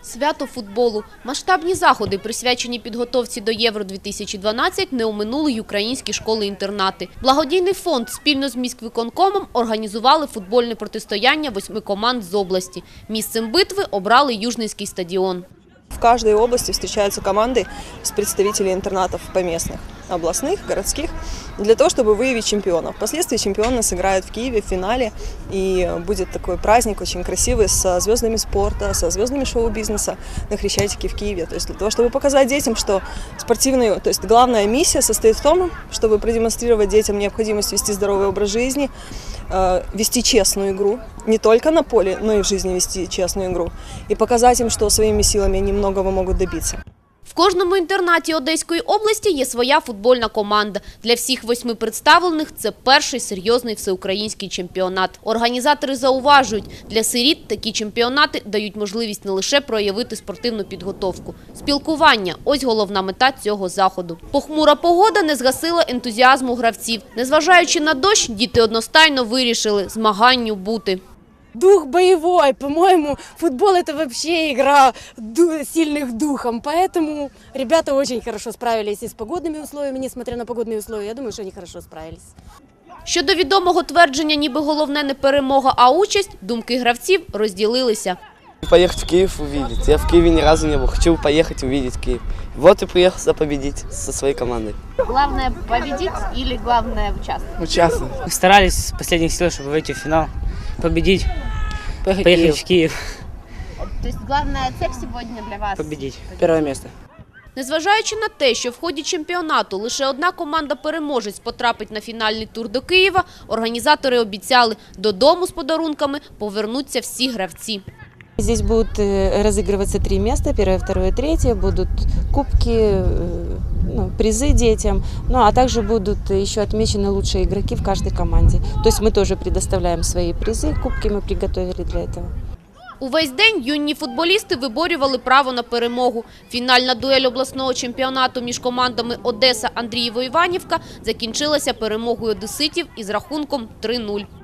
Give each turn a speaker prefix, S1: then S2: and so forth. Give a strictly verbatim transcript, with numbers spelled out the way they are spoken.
S1: Свято футболу. Масштабні заходи, присвячені підготовці до Євро дві тисячі дванадцять, не оминули й українські школи-інтернати. Благодійний фонд спільно з міськвиконкомом організували футбольне протистояння восьми команд з області. Місцем битви обрали Южненський стадіон.
S2: В каждой области встречаются команды с представителей интернатов поместных, областных, городских, для того, чтобы выявить чемпионов. Впоследствии чемпионы сыграют в Киеве в финале, и будет такой праздник очень красивый со звездами спорта, со звездами шоу-бизнеса на Хрещатике в Киеве. То есть для того, чтобы показать детям, что спортивные, то есть главная миссия состоит в том, чтобы продемонстрировать детям необходимость вести здоровый образ жизни, вести честную игру, не только на поле, но и в жизни вести честную игру, и показать им, что своими силами они многого могут добиться.
S1: В кожному інтернаті Одеської області є своя футбольна команда. Для всіх восьми представлених це перший серйозний всеукраїнський чемпіонат. Організатори зауважують, для сиріт такі чемпіонати дають можливість не лише проявити спортивну підготовку. Спілкування – ось головна мета цього заходу. Похмура погода не згасила ентузіазму гравців. Незважаючи на дощ, діти одностайно вирішили – змаганню бути.
S3: Дух боевой, по-моему, футбол – это вообще игра сильных духом, поэтому ребята очень хорошо справились и с погодными условиями, несмотря на погодные условия, я думаю, что они хорошо справились.
S1: Щодо відомого твердження, ніби головне не перемога, а участь, думки гравців розділилися.
S4: Поехать в Киев увидеть. Я в Киеве ни разу не был. Хочу поехать увидеть Киев. Вот и приехал победить со своей командой.
S1: Главное победить или главное участвовать?
S4: Участвовать.
S5: Старались с последних сил, чтобы выйти в финал, победить,
S4: Поехать,
S5: поехать
S4: в
S5: в Киев,
S1: То есть главная цель сегодня для вас?
S5: победить.
S4: Первое место.
S1: Незважаючи на те, що в ході чемпіонату лише одна команда-переможець потрапить на фінальний тур до Києва, організатори обіцяли, додому з подарунками повернуться всі гравці.
S6: Здесь будут разыгрываться три места, первое, второе, третье, будут кубки, ну, призы детям, ну а также будут еще отмечены лучшие игроки в каждой команде. То есть мы тоже предоставляем свои призы, кубки мы приготовили для этого.
S1: Увесь день юні футболісти виборювали право на перемогу. Фінальна дуель обласного чемпіонату між командами Одеса-Андрієво-Іванівка закінчилася перемогою одеситів із рахунком три нуль.